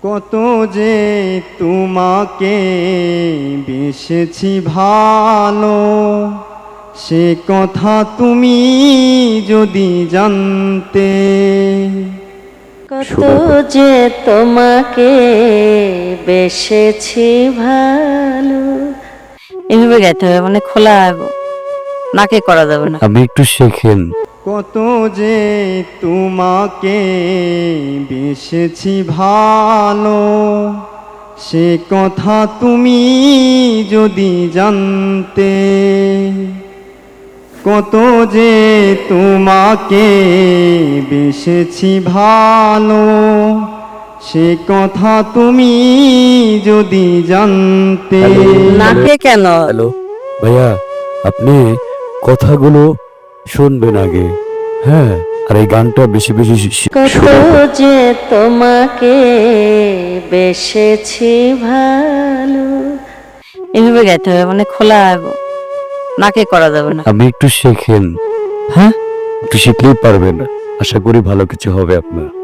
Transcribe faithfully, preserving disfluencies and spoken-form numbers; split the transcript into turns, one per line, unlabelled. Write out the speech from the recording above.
কত যে তোমাকে বেসেছি ভালো, সে কথা তুমি যদি জানতে।
কত যে তোমাকে বেসেছি ভালো, এভাবে গাইতে হবে, মানে খোলা নাকে করা যাবে না।
আপনি একটু শেখেন।
কত যে তোমাকে বেসেছি ভালো, সে কথা তুমি যদি জানতে। কত যে তোমাকে বেসেছি ভালো, সে কথা তুমি যদি জানতে।
নাকে কেন?
হ্যালো ভাইয়া, আপনি কথাগুলো শুনবেন আগে, হ্যাঁ? আর এই গানটা বেশি বেশি শি-
কত
শোনাবেন।
যে তোমাকে বেসেছি ভালো, এভাবে গাইতে হবে, মানে খোলা নাকে করা যাবে না।
আপনি একটু শেখেন, হ্যাঁ? একটু শিখলেই পারবেন, আশা করি ভালো কিছু হবে আপনার।